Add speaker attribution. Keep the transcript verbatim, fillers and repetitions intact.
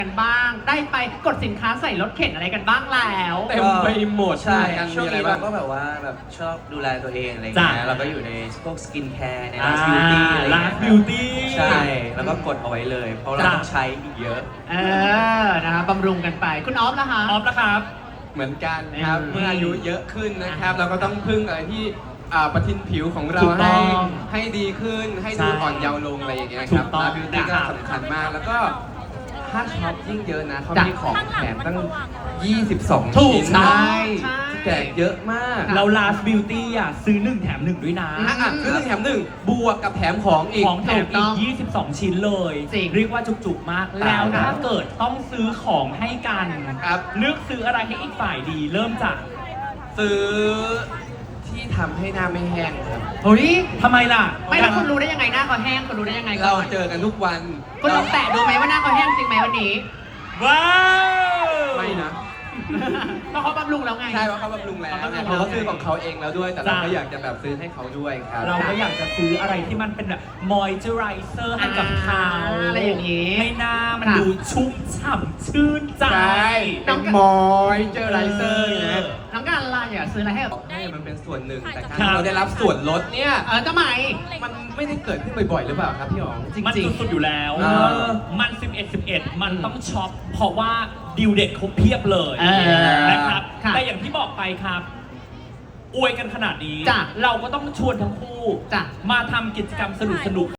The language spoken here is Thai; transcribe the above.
Speaker 1: กันบ้างได้ไปกดสินค้าใส่รถเข็นอะไรกันบ้างแล้ว
Speaker 2: เต็มไปหมด
Speaker 3: ใช่
Speaker 2: กัน
Speaker 3: ช่วง
Speaker 2: มีอะไร
Speaker 3: นี้
Speaker 2: บ้า
Speaker 3: เรา
Speaker 2: ง
Speaker 3: ก็แบบว่าแบบชอบดูแลตัวเองอะไร
Speaker 1: จ้ะ
Speaker 3: เงี้ยเราก็อยู่ในพวกสกินแคร์ใน
Speaker 1: อ่า
Speaker 3: ร้านบิวตี้อะไร
Speaker 1: ร้า
Speaker 3: เงี้
Speaker 1: น
Speaker 3: ย
Speaker 1: บิวตี้
Speaker 3: ใช่แล้วก็กดเอาไว้เลย เพราะเรา
Speaker 1: จ้ะ
Speaker 3: ต้องใช้อีกเยอะ
Speaker 1: เออนะคะบำรุงกันไปคุณออฟล่ะคะ
Speaker 2: ออฟนะครับ เหมือนกันครับ
Speaker 1: อืม
Speaker 2: เมื่ออายุเยอะขึ้นนะครับ เราก็ต้องพึ่งอะไรที่อ่าประทินผิวของเรา
Speaker 1: ถูกต้
Speaker 2: ให้
Speaker 1: อง
Speaker 2: ให้ดีขึ้นให้ดู
Speaker 1: ใช่
Speaker 2: อ่อนเยาว์ลงอะไรอย่างเงี้ย
Speaker 1: ถู
Speaker 2: ครับ
Speaker 1: กต้อง
Speaker 2: ร้านบิวตี้ก็
Speaker 1: นะครับ
Speaker 2: สำคัญมากแล้วก็ถ้าช็อปยิ่งเยอะนะเขา
Speaker 1: จ้ะ
Speaker 2: มีของแถมตั้ง ยี่สิบสอง
Speaker 1: ถูก
Speaker 2: ชิ้น
Speaker 1: ใช่
Speaker 2: ใช่แจกเยอะมาก
Speaker 1: ค่ะ
Speaker 4: เรา last beauty อ่ะซื้อหนึ่งแถมหนึ่งด้วยนะ
Speaker 2: อ่ะอ่ะซื้อหนึ่งแถมหนึ่งบวกกับแถมของอีก
Speaker 4: ของแถม
Speaker 1: ถูกต้
Speaker 4: อี
Speaker 1: อก ง
Speaker 4: ยี่สิบสอง ชิ้นเลย
Speaker 1: จริง
Speaker 4: เรียกว่าจุกๆมาก
Speaker 2: ตาย
Speaker 4: แล้ว
Speaker 2: แล้ว
Speaker 4: ถ้าเกิดต้องซื้อของให้กัน
Speaker 2: ครับ
Speaker 4: เลือกซื้ออะไรให้อีกฝ่ายดี เริ่มจาก
Speaker 2: ซื้อที่ทำให้หน้าไม่แห้งครับ
Speaker 1: เฮ้ย
Speaker 4: ทำไมล่ะ
Speaker 1: ไม่แล้วคุณรู้ได้ยังไงหน้าเขาแห้งคุณรู้ได้ยังไงก่
Speaker 2: เรา
Speaker 1: อน
Speaker 2: เจอกันทุกวัน
Speaker 1: คุณลองแตะดูไหมว่าหน้าเขาแห้งจริงไหมวันนี้
Speaker 4: ว้าว
Speaker 2: ไม่นะ
Speaker 1: เพราะเขาบำรุงแล้วไง
Speaker 2: ใช่เพราะเขาบำรุงแล้ว
Speaker 1: เขาบำรุง
Speaker 2: เขาก็ซื้อของเขาเองแล้วด้วย แต่เรา
Speaker 4: จ้ะ
Speaker 2: ก็อยากจะแบบซื้อให้เขาด้วยครับ
Speaker 4: เราก็อยากจะซื้ออะไรที่มันเป็นแบบ moisturizer ให้กับเขา
Speaker 1: อ่าอะไรอย่างนี้
Speaker 4: ให้หน้ามัน
Speaker 1: ค่ะ
Speaker 4: ดูชุ่มฉ่ำชื่นใจ
Speaker 2: ใช่เป็นมอยเจอไรเซอร์นะ
Speaker 1: น้องการอะไรอ่ะซื้ออะไรให้กับ
Speaker 2: ให้มันเป็นส่วนหนึ่ง แต่การ
Speaker 4: ครับ
Speaker 2: ที่เราได้รับส่วนลดเนี่ย
Speaker 1: เออทำไม
Speaker 2: มันไม่ได้เกิดขึ้นบ่อยๆ หรือเปล่าครับพี่อ๋อง
Speaker 1: จริง
Speaker 4: มันสุดๆอยู่แล้ว
Speaker 2: เออ
Speaker 4: มัน สิบเอ็ด สิบเอ็ด มันต้องช็อป เพราะว่าดิวเด็ดเขาเพียบเลย
Speaker 1: เออ
Speaker 4: นะครับ
Speaker 1: ค่ะ
Speaker 4: แต่อย่างที่บอกไปครับ อวยกันขนาดนี้
Speaker 1: จ้ะ
Speaker 4: เราก็ต้องชวนทั้งคู่
Speaker 1: จ้ะ
Speaker 4: มาทำกิจกรรมสนุกๆ